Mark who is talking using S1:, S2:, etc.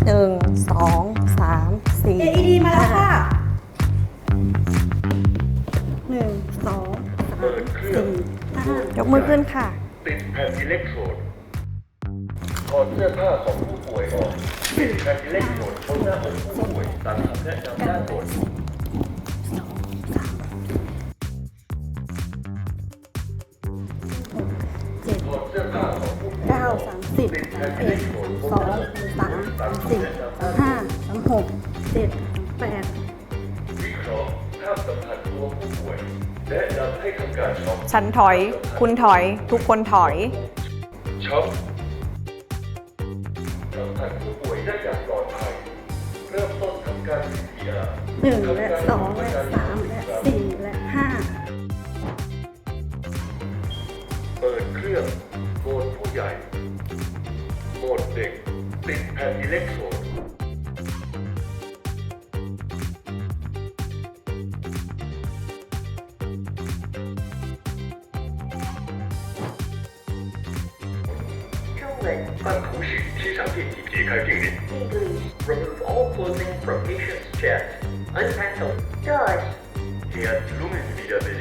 S1: 1 2 3 4
S2: AED มาแล้วค่ะ1 2 3 4 5
S1: ยกมือขึ้นค่ะ
S3: ติดแผ่นอิเล็กโทรดถอดเสื้อผ้าของผู้ป่วยออกติดแผ่นอิเล็กโทรดบนหน้าอกผู้ป่วยตามคำแนะนำด้านบนถอดเสื้อผ้าของผู้ป่วย
S2: 9 30 31 2 3 4 5 6 7 8
S3: วิเคราะห์ภาพสัมผัสตัวผู้ป่วยแนะนำให้ทำการช็อป
S1: ฉันถอย คุณถอย ทุกคนถอย
S3: ช็อปสัมผัสผู้ป่วยได้อย่างปลอดภัยเริ่มต้นทำการ CPR
S2: 1 และ 2 และ 3 และ 4 และ
S3: เปิดเครื่องโหมดผู้ใหญ่โหมดเด็กติดแผ่นอิเล็กโทรด按图示机场电梯解开定铃。Remove all clothing from patient's chest. Unhandle. Dodge. He has illuminated